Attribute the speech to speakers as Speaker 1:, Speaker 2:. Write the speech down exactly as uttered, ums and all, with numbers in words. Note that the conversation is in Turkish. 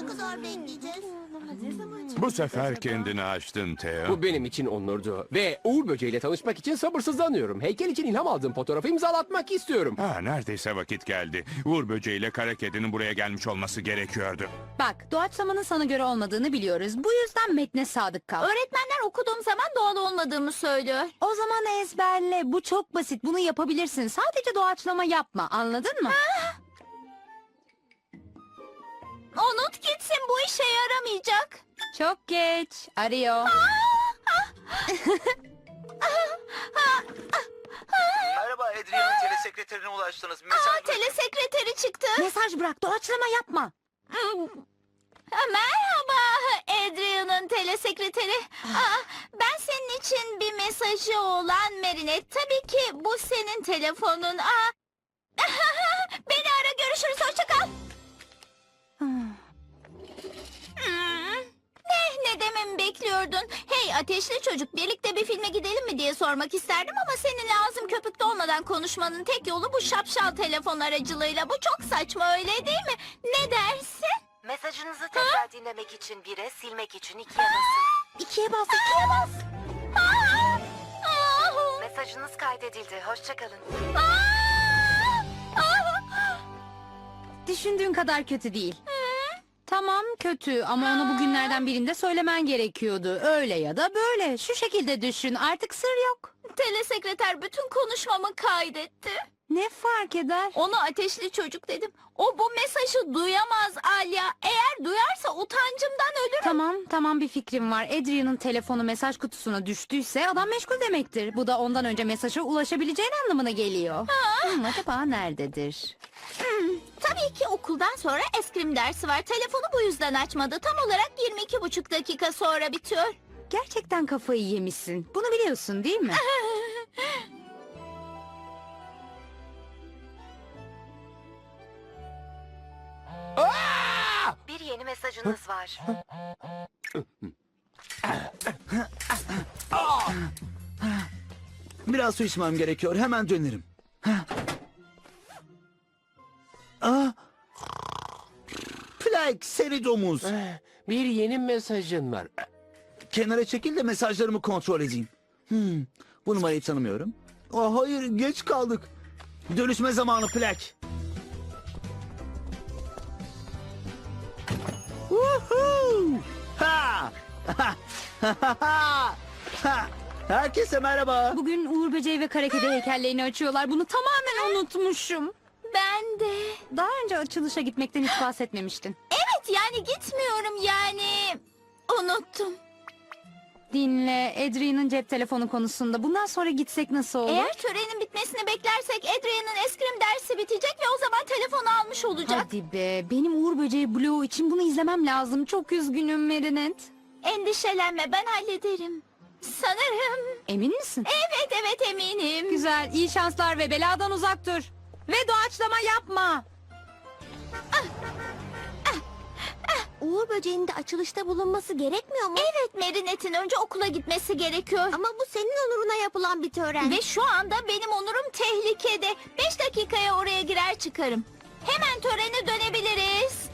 Speaker 1: Ne kadar bekleyeceğiz?
Speaker 2: Bu sefer kendini açtın Theo.
Speaker 3: Bu benim için onurdu. Ve Uğur Böceği'yle tanışmak için sabırsızlanıyorum. Heykel için ilham aldığım fotoğrafı imzalatmak istiyorum.
Speaker 2: Ha, neredeyse vakit geldi. Uğur böceğiyle kara kedinin buraya gelmiş olması gerekiyordu.
Speaker 4: Bak, doğaçlamanın sana göre olmadığını biliyoruz. Bu yüzden metne sadık kal.
Speaker 1: Öğretmenler okuduğum zaman doğal olmadığımı söylüyor.
Speaker 4: O zaman ezberle. Bu çok basit. Bunu yapabilirsin. Sadece doğaçlama yapma. Anladın mı?
Speaker 1: Unut gitsin, bu işe yaramayacak.
Speaker 4: Çok geç. Arıyor.
Speaker 5: Merhaba, Adrian'ın telesekreterine ulaştınız. Mesaj
Speaker 1: Aa,
Speaker 5: bırakın.
Speaker 1: telesekreteri çıktı.
Speaker 4: Mesaj bırak. Doğaçlama yapma.
Speaker 1: Ha, merhaba Adrian'ın telesekreteri. Aa, ben senin için bir mesajı olan Merinet. Tabii ki bu senin telefonun. Aa. Beni ara, görüşürüz, hoşça kal. Hmm. Ne, ne dememi bekliyordun? Hey ateşli çocuk, birlikte bir filme gidelim mi diye sormak isterdim ama seninle ağzım köpükte olmadan konuşmanın tek yolu bu şapşal telefon aracılığıyla. Bu çok saçma, öyle değil mi? Ne dersin?
Speaker 6: Mesajınızı tekrar dinlemek için bire, silmek için ikiye basın.
Speaker 1: İkiye bas, ikiye bas. Aa! Aa!
Speaker 6: Mesajınız kaydedildi. Hoşçakalın.
Speaker 1: Aa! Aa!
Speaker 4: Düşündüğün kadar kötü değil. Tamam kötü ama onu bugünlerden birinde söylemen gerekiyordu. Öyle ya da böyle. Şu şekilde düşün. Artık sır yok.
Speaker 1: Telesekreter bütün konuşmamı kaydetti.
Speaker 4: Ne fark eder?
Speaker 1: Ona ateşli çocuk dedim. O bu mesajı duyamaz Alya. Eğer duyarsa utancımdan ölürüm.
Speaker 4: Tamam tamam bir fikrim var. Adrian'ın telefonu mesaj kutusuna düştüyse adam meşgul demektir. Bu da ondan önce mesaja ulaşabileceğin anlamına geliyor. Hmm, acaba nerededir?
Speaker 1: Hmm, tabii ki okuldan sonra eskrim dersi var. Telefonu bu yüzden açmadı. Tam olarak yirmi iki buçuk dakika sonra bitiyor.
Speaker 4: Gerçekten kafayı yemişsin. Bunu biliyorsun değil mi?
Speaker 6: Bir yeni mesajınız var.
Speaker 5: Biraz su içmem gerekiyor. Hemen dönerim. Aa! Plak, seri domuz.
Speaker 3: Bir yeni mesajın var.
Speaker 5: Kenara çekil de mesajlarımı kontrol edeyim. Hmm, bu numarayı tanımıyorum. Aa, hayır, geç kaldık. Dönüşme zamanı Plak. Woohoo! Ha! Ha! Herkese merhaba.
Speaker 4: Bugün Uğur Böceği ve Kara Kedi heykellerini açıyorlar. Bunu tamamen unutmuşum.
Speaker 1: Ben de.
Speaker 4: Daha önce açılışa gitmekten hiç bahsetmemiştin.
Speaker 1: Evet, yani gitmiyorum yani. Unuttum.
Speaker 4: Dinle, Adrian'ın cep telefonu konusunda. Bundan sonra gitsek nasıl olur?
Speaker 1: Eğer törenin bitmesini beklersek Adrian'ın eskrim dersi bitecek ve o zaman telefonu almış olacak.
Speaker 4: Hadi be, benim Uğur Böceği Blue için bunu izlemem lazım. Çok üzgünüm Merinet.
Speaker 1: Endişelenme, ben hallederim. Sanırım.
Speaker 4: Emin misin?
Speaker 1: Evet evet eminim.
Speaker 4: Güzel, iyi şanslar ve beladan uzak dur. Ve doğaçlama yapma.
Speaker 1: Uğur böceğinin de açılışta bulunması gerekmiyor mu? Evet, Merinet'in önce okula gitmesi gerekiyor. Ama bu senin onuruna yapılan bir tören. Ve şu anda benim onurum tehlikede. Beş dakikaya oraya girer çıkarım. Hemen törene dönebiliriz.